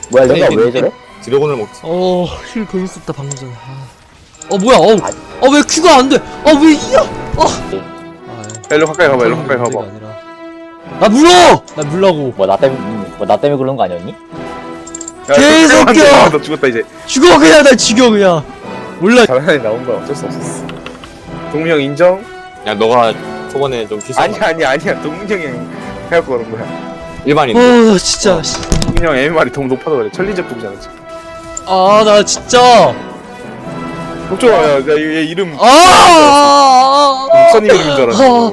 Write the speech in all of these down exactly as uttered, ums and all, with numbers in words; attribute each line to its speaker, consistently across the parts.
Speaker 1: 뭐야 내가 왜 저래?
Speaker 2: 드래곤을 먹지.
Speaker 3: 어, 힐 괜히 썼다 방금 전에. 아. 어 뭐야? 어,
Speaker 1: 아니.
Speaker 3: 아 왜 큐가 안 돼? 아 왜 이야? 어. 아,
Speaker 4: 일로 가까이 가봐, 일로 가까이
Speaker 3: 문제가
Speaker 4: 가봐.
Speaker 3: 아니라. 나 물러! 나 물라고.
Speaker 1: 뭐 나 때문에 뭐 나 때문에 그런 거 아니었니?
Speaker 4: 야,
Speaker 3: 개새끼야!
Speaker 4: 아, 너 죽었다 이제.
Speaker 3: 죽어 그냥 나 죽여 그냥. 몰라.
Speaker 4: 잘하니 나온 거야, 어쩔 수 없었어. 동민이 형 인정?
Speaker 2: 야 너가 초반에 좀 실수.
Speaker 4: 아니야, 아니야, 아니야. 동민이 형이 해갖고 그런 거야.
Speaker 2: 일반인.
Speaker 3: 어 진짜. 씨.
Speaker 4: 동민이 형 엠엠알이 너무 높아서 그래. 천리적 독이잖아, 지금.
Speaker 3: 아 나 진짜.
Speaker 4: 독조아, 야, 야, 얘 이름.
Speaker 3: 아.
Speaker 4: 목사님 이름인 줄 알았어.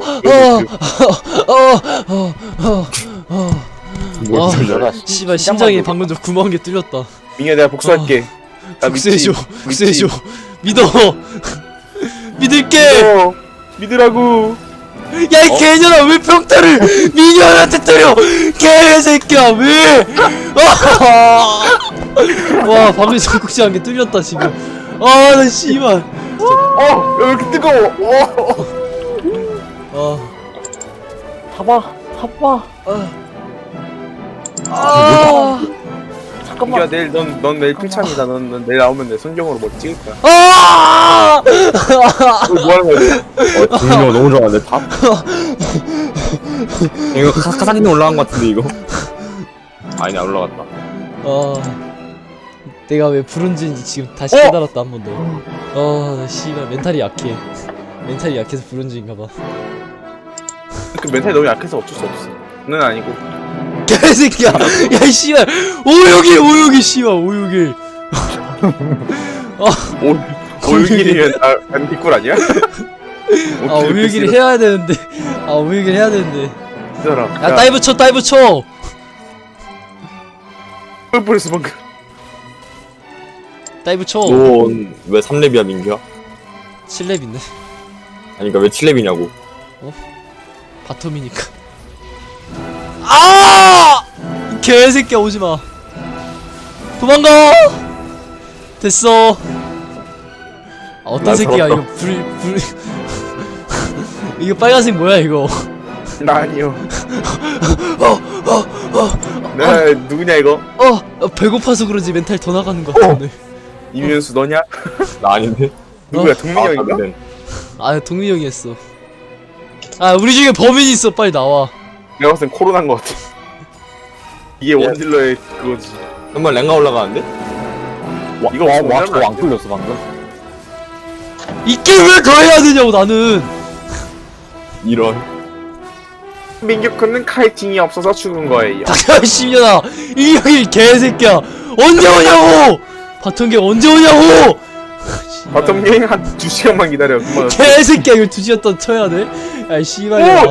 Speaker 2: 뭘
Speaker 3: 아,
Speaker 2: 들려라.
Speaker 1: 아,
Speaker 3: 씨발 심장이 방금 좀 구멍한 게 뚫렸다.
Speaker 4: 민규야, 내가 복수할게. 나 믿지?
Speaker 3: 복수해줘. 복수해줘. 믿어. 믿을게.
Speaker 4: 믿어. 믿으라고.
Speaker 3: 야 이 개년아 왜 평타를 미녀한테 때려? 개새끼야 왜? 아! 와 방금 적극지한 게 뚫렸다 지금. 아나 씨발.
Speaker 4: 어, 야, 왜 이렇게 뜨거워? 어.
Speaker 3: 아.
Speaker 1: 타봐 타봐.
Speaker 3: 아.
Speaker 4: 민규야, 내일 넌, 넌 내일 필참이다. 넌, 넌 내일 나오면 내 손경으로 뭐 찍을 거야.
Speaker 3: 아!
Speaker 4: 어, 뭐 하는 거야?
Speaker 2: 어 동료 너무 좋아하는데 탑. 이거 카, 카사딘 올라간 것 같은데 이거. 아니 안 올라갔다.
Speaker 3: 아. 내가 왜 브론즈인지 지금 다시
Speaker 4: 어?
Speaker 3: 깨달았다 한 번 더. 아, 나 씨발 멘탈이 약해. 멘탈이 약해서 브론즈인가 봐.
Speaker 4: 그 멘탈이 너무 약해서 어쩔 수 없어. 는 아니고.
Speaker 3: 개새끼야. 야, 씨발. 오육일, 오육일, 씨발, 오육일.
Speaker 4: 오, 오육일이면 아, 난 뒷골 아니야?
Speaker 3: 아, 오육일 해야 되는데. 아, 오육일 해야 되는데.
Speaker 4: 기다려.
Speaker 3: 야, 다이브 쳐, 다이브 쳐.
Speaker 4: 펄펄했어 방금.
Speaker 3: 다이브 쳐.
Speaker 2: 넌왜 삼 렙이야 민규야?
Speaker 3: 칠 렙인데.
Speaker 2: 아니 그니까 왜 칠 렙이냐고.
Speaker 3: 바텀이니까. 아! 이 개새끼야, 오지 마. 도망가. 됐어. 아, 어떤
Speaker 2: 난
Speaker 3: 새끼야,
Speaker 2: 살았다.
Speaker 3: 이거 불, 불. 이거 빨간색 뭐야, 이거.
Speaker 4: 나 아니요. 내가 누구냐 이거?
Speaker 3: 어, 어, 배고파서 그런지 멘탈 더 나가는 것 같아, 오늘.
Speaker 4: 이면수 너냐?
Speaker 2: 나 아닌데.
Speaker 4: 누구야? 동민이
Speaker 2: 아,
Speaker 4: 형인가?
Speaker 2: 다른.
Speaker 3: 아, 동민이 형이 했어. 아, 우리 중에 범인이 있어, 빨리 나와.
Speaker 4: 내가 봤을 땐 코로나인 것 같아. 이게 원딜러의 그거지.
Speaker 2: 정말 랭가 올라가는데?
Speaker 1: 와,
Speaker 4: 이거
Speaker 1: 와,
Speaker 4: 없으면
Speaker 1: 와,
Speaker 4: 하면
Speaker 1: 저거
Speaker 4: 안
Speaker 1: 안
Speaker 4: 돼.
Speaker 1: 뚫렸어 방금.
Speaker 3: 이게 왜 더 해야 되냐고, 나는.
Speaker 2: 이런.
Speaker 4: 민규군은 카이팅이 없어서 죽은 거예요.
Speaker 3: 닥쳐, 씨년아. 이 형이 개새끼야. 언제 오냐고! 바텀게 언제 오냐고!
Speaker 4: 바텀 여행 한 두 시간만 기다려. 그만.
Speaker 3: 개새끼야, 이거 두 시간 동안 쳐야 돼? 야, 씨발이야.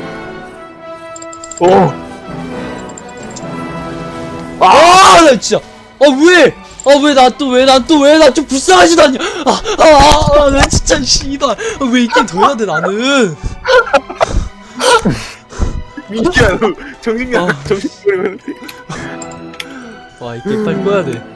Speaker 4: 오.
Speaker 3: 아, 나 진짜. 아, 왜? 아, 왜 나 또, 왜 나 또, 왜 나 좀 불쌍하지도 않냐? 아, 아, 아, 나 진짜, 씨발. 아, 왜 이게 더 해야 돼, 나는?
Speaker 4: 민규야, 너 정신이
Speaker 3: 어.
Speaker 4: 정신 차리면
Speaker 3: 와, 이게 빨리 꺼야 돼.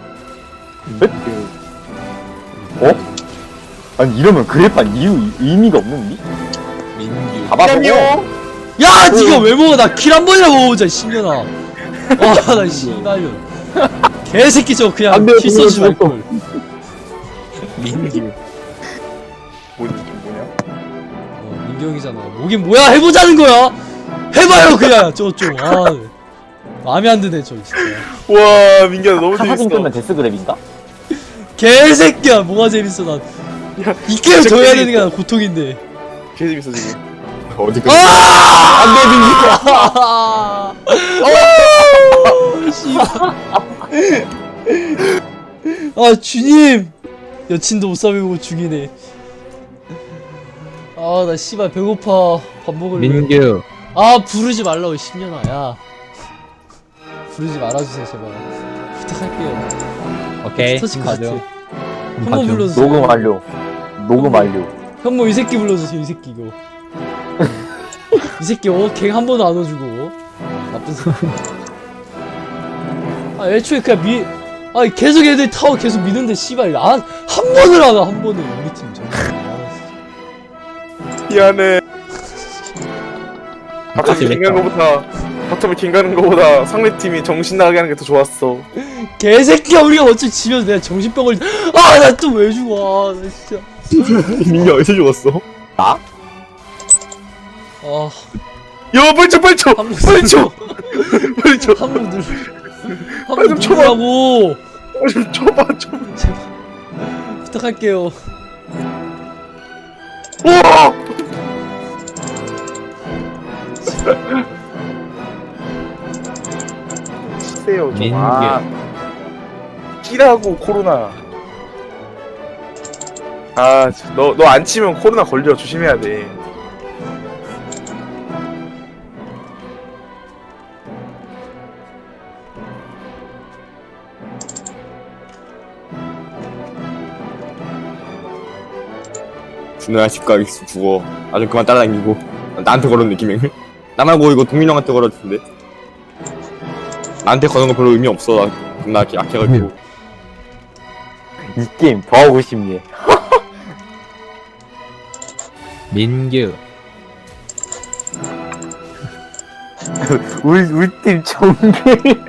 Speaker 1: 어? 아니 이러면 그래판 이유 의미가 없는니?
Speaker 2: 민규.
Speaker 1: 잡아보고.
Speaker 3: 야, 니가 왜 먹어? 나 킬 한 번이나 먹어보자, 씨년아. 와, 나 씨발년. 개새끼 저거 그냥
Speaker 1: 안 돼,
Speaker 3: 킬 쏘지
Speaker 1: 그거
Speaker 3: 말걸.
Speaker 2: 민규.
Speaker 4: 뭐지 뭐냐?
Speaker 3: 어, 민경이잖아. 뭐긴 뭐야, 해보자는 거야! 해봐요, 그냥! 저 좀, 아. 마음에 안 드네, 저 진짜.
Speaker 4: 와, 민규야 너무
Speaker 1: 사진
Speaker 4: 재밌어.
Speaker 1: 끄면 데스그랩인가?
Speaker 3: 개새끼야, 뭐가 재밌어, 난.
Speaker 4: 야,
Speaker 3: 이 게임
Speaker 4: 진짜
Speaker 3: 더 해야
Speaker 4: 재밌어.
Speaker 3: 되는 게 난 고통인데.
Speaker 4: 개 재밌어 지금.
Speaker 2: 어디 그?
Speaker 3: 아! 안 돼, 민기야! 어! 씨발. 아, 주님! 여친도 못 사귀고 죽이네. 아, 나 씨발 배고파. 밥 먹을래.
Speaker 2: 민규.
Speaker 3: 아, 부르지 말라고, 십년아, 야. 부르지 말아주세요, 제발. 부탁할게요.
Speaker 2: 오케이.
Speaker 3: 스터치 카트.
Speaker 2: 가죠.
Speaker 3: 형모
Speaker 2: 가죠.
Speaker 3: 불러주세요.
Speaker 1: 녹음 완료. 녹음 완료.
Speaker 3: 형모 이 새끼 불러주세요, 이 새끼 이거. 이 새끼 어? 갱 한 번도 안 와주고 어? 나쁜 새끼. 아 애초에 그냥 미.. 아 계속 애들 타워 계속 미는데 씨발 안.. 한 번을 하나 한 번을 우리 팀 정말.
Speaker 4: 미안해. 바텀이
Speaker 2: 재밌다.
Speaker 4: 킹 가는 거보다 바텀이 킹 가는 거보다 상대팀이 정신 나가게 하는 게 더 좋았어.
Speaker 3: 개새끼야 우리가 어차피 지면 내가 정신병을 아 나 또 왜 죽어 아, 나 진짜
Speaker 2: 민규 어디서 죽었어?
Speaker 3: 아
Speaker 4: 야 빨리 쳐 빨리 쳐
Speaker 3: 한국
Speaker 4: 빨리 쳐 빨리 쳐
Speaker 3: 한국 누르
Speaker 4: 빨리
Speaker 3: 한국
Speaker 4: 좀 쳐봐.
Speaker 3: 누르라고
Speaker 4: 빨리 좀 쳐봐 쳐
Speaker 3: 제발 부탁할게요
Speaker 4: 우와 치세요 좀 아. 끼라고 코로나 아너 너 안 치면 코로나 걸려 조심해야 돼
Speaker 2: 준호야 집 가겠어 죽어. 아주 그만 따라다니고 나한테 걸은 느낌이. 나말고 이거 동민 형한테 걸을 텐데. 나한테 거는 거 별로 의미 없어. 나 겁나 이렇게 약해가지고.
Speaker 1: 이 게임 더 하고 싶네.
Speaker 5: 민규
Speaker 1: 우리 우리 팀 정글.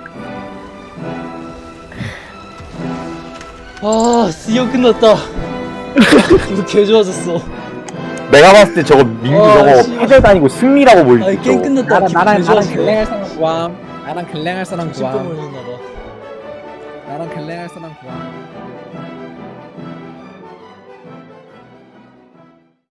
Speaker 3: 아 드디어 끝났다 이거 개 좋아졌어
Speaker 1: 내가 봤을 때 저거 민규
Speaker 3: 아,
Speaker 1: 저거
Speaker 3: 씨.
Speaker 1: 패들 다니고 승리라고 보이지.
Speaker 3: 아이 게임 끝났다
Speaker 5: 나랑
Speaker 3: 기분
Speaker 5: 나랑
Speaker 3: 개
Speaker 5: 나랑
Speaker 3: 좋아졌어
Speaker 5: 글랭할 사람 구함 나랑 글랭할 사람
Speaker 3: 정신병
Speaker 5: 구함
Speaker 3: 걸렸나봐
Speaker 5: 나랑 글랭할 사람 구함